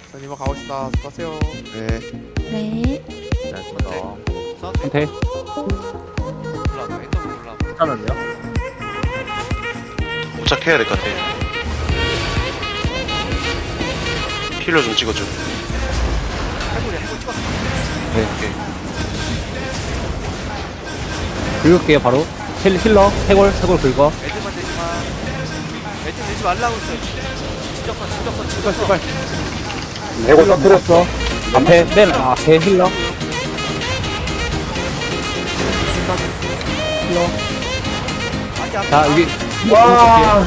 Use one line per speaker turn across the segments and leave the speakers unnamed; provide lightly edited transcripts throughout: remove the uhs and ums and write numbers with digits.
자, 이만 가봅시다. 수고하세요.
네.
네.
상태
올라와. 엔더 올라와.
괜찮은데요?
도착해야 될 것 같아. 힐러 좀 찍어줘.
해골이야. 해골 찍었어.
오케이.
긁을게요 바로. 힐러 해골 긁어.
애들만 되지 마. 애들 되지 말라고 했어요. 진정선.
제발. 해골 터뜨렸어. 앞에 맨 앞에 힐러. 자 여기 와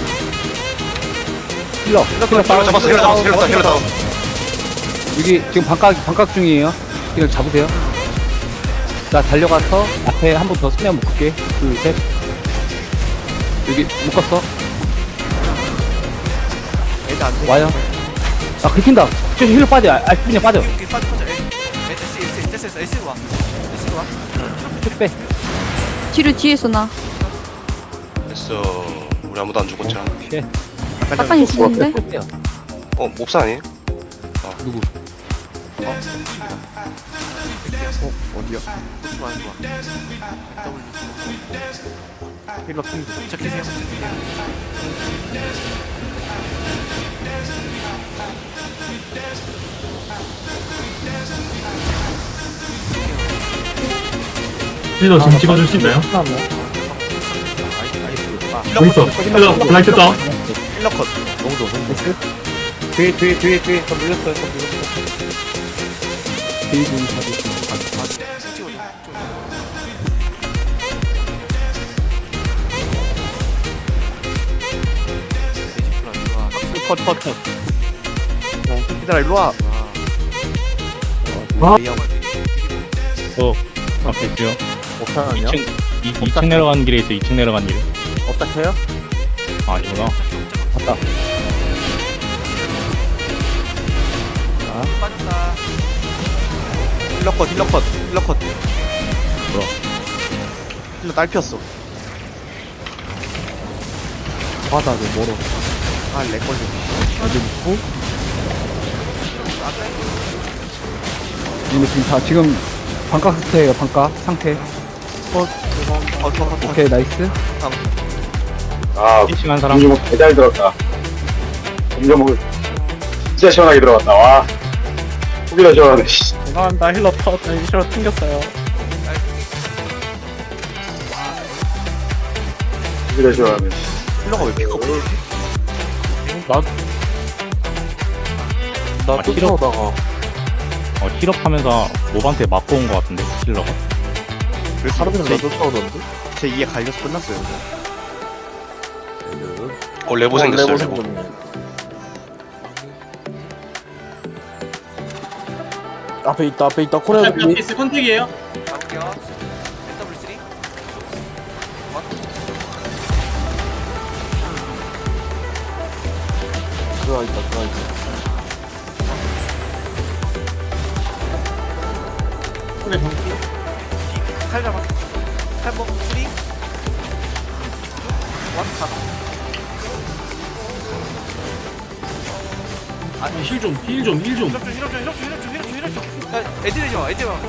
힐러
힐러 잡았어. 힐러 다운.
여기 지금 반각 중이에요. 이걸 잡으세요. 자 달려가서 앞에 한 번 더 수면 묶을게. 둘 셋. 여기 묶었어.
애들 안 돼.
와요. 아 긁힌다. 저 힐러 빠져. 알피냐 빠져.
여기 빠져. S로 와. S로 와.
쭉 빼.
뒤에서 나.
됐어. 우리 아무도 안 죽었잖아.
예.
빡빡이 있는데?
빼요.
몹사 아니에요?
누구?
어디야? 좋아. W. 힐러 핑. 착해세요.
힐러 지금 찍어줄 수 있나요? 여기 있어. 힐러 블라이트 다운.
힐러 컷.
뒤에 더 물렸어요. 뒤에 좀 잡으시면
컷. 얘들아 일로 와.
아.
앞에 있어요.
못하나요?
2층 내려가는 길에 있어. 2층 내려가는 길에.
어떡해요?
아, 아니구나.
갔다.
빠졌다. 힐러 컷.
뭐야?
힐러 딸 피었어.
바닥에 멀어.
아, 렉 걸려.
근데 지금 다 지금 반각 상태예요. 반각 상태.
컷.
오케이 나이스.
아,
피싱한 사람.
음주먹 개잘 들었다. 음주먹 진짜 시원하게 들어갔다. 와, 후기라 시원하네. 씨.
죄송합니다. 힐러 튕겼어요.
후기라 시원하네.
힐러가 왜 피가 없어?
나 쫓아오다가. 힐업하면서 몹한테 맞고 온 것 같은데, 힐러가.
왜 하루는 나 쫓아오던데? 제 2에 갈려서 끝났어요.
레보 생겼어요. 레보.
앞에 있다 코리아
피스 컨택이에요?
가볼게요. NW3.
들어와 있다
칼 잡아. 칼먹 3. 1. 가봐.
아니 힐 좀.
힐업 좀. 애들 내지 마.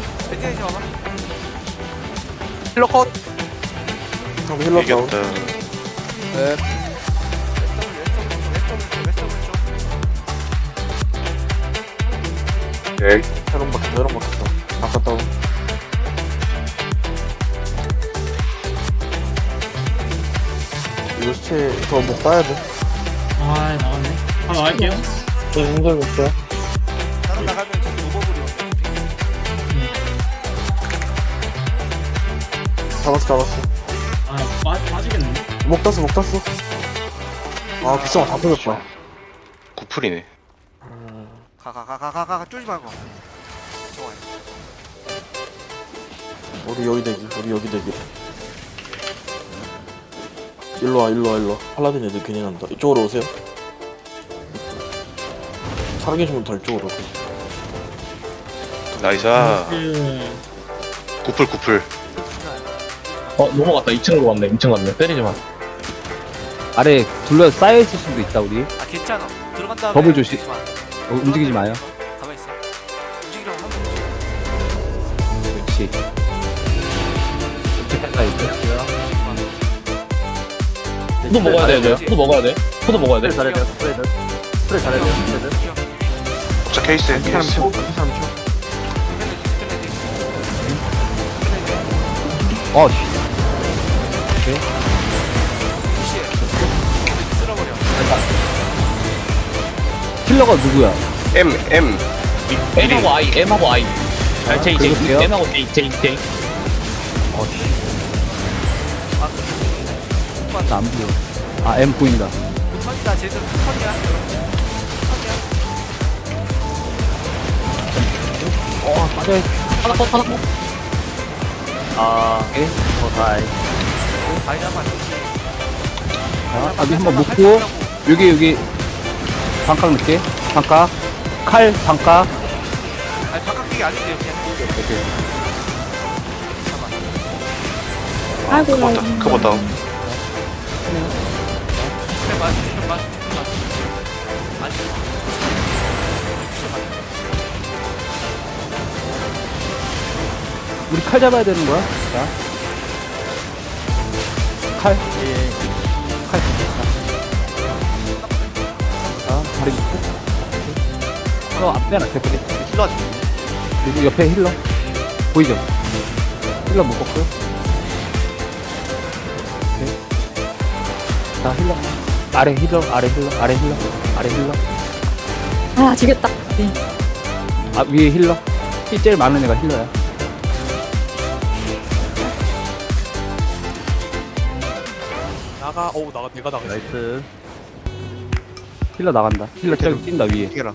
힐러 컷.
힐러 다운
이겼다.
네.
네.
혈용 박혔다 아까 다운 이거 시체 더목 따야 돼
아 나왔네. 한번 나갈게요.
저 인절 못해요
나는 나가면 지금 오버블이
잡았어
아 빠지겠네.
목 땄어 아 비싸 다 풀렸다
구풀이네.
가. 쫄지 말고. 좋아요.
우리 여기 대기 일로 와 팔라딘 애들 괜히 난다 이쪽으로 오세요 살아계신 분다 이쪽으로
나이스. 구풀.
넘어갔다. 2층으로 갔네. 2층 갔네. 때리지 마.
아래 둘러 쌓여 있을 수도 있다 우리.
아 괜찮아. 들어간 다음에
더블 조심.
되지 마.
움직이지 마요.
가만히 있어. 움직이라고 하면
그렇지. 이렇게 있고요.
포도 먹어야 돼. 포도 먹어야 돼. 포도 먹어야 돼.
잘해야 돼요. 스프레드 잘해야 돼요.
자 케이스 케이스.
어, 씨.
쓸어버려.
킬러가 누구야?
M
M하고 I, M하고 I.
제이, 제이.
M하고 J.
나 안 보여. 아, M 보인다.
턴이다. 쟤들 턴이야.
맞아요.
하나 컷.
오케이.
아니야만.
자, 여기 한번 묶고, 여기, 반각 넣게. 반각. 칼, 반각.
아니 바깥기가 아닌데요. 그냥.
아이고,
커버 다운 커버 다운.
그래 맞. 아니.
우리 칼 잡아야 되는 거야? 자. 칼. 칼. 자, 다리 밑에. 앞에 하나 대표게.
힐러.
그리고 옆에 힐러. 보이죠? 힐러 묶었고요. 오케이. 자, 힐러. 아래 힐러. 아래 힐러.
아, 지겠다. 네.
아, 위에 힐러. 힐 제일 많은 애가 힐러야.
내가 나가.
나이스. 힐러 나간다. 힐러 저기 뛴다, 위에.
이겨라.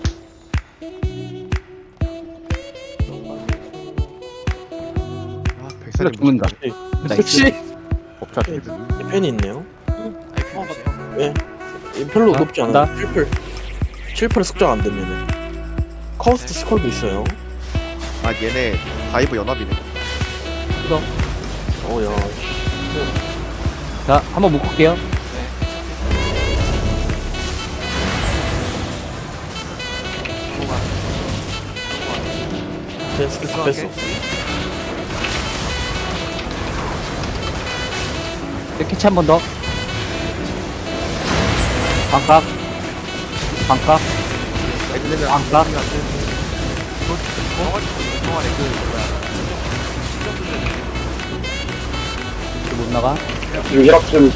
힐러 죽는다. 나이스.
법차 펜이 있네요.
아이
별로
자,
높지
간다.
않아. 7%를 숙정 안 되면은. 커스트 스콜도 있어요.
아 얘네 다이브 연합이네.
야.
자, 한번 묶을게요.
제 스킬 다 뺐어.
캐치 한 번 더. 반각. 반각. 못 나가.
지금 혈압 좀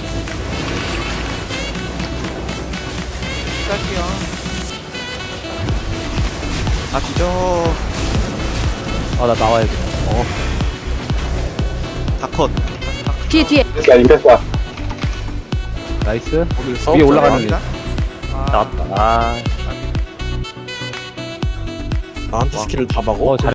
갈게요. 아 뒤져.
아, 나 나와야 돼.
다컷.
뒤에.
됐어 임패스야.
나이스.
싸움
위에 올라가는 애.
나왔다.
나한테 스킬을 다 막어?
잘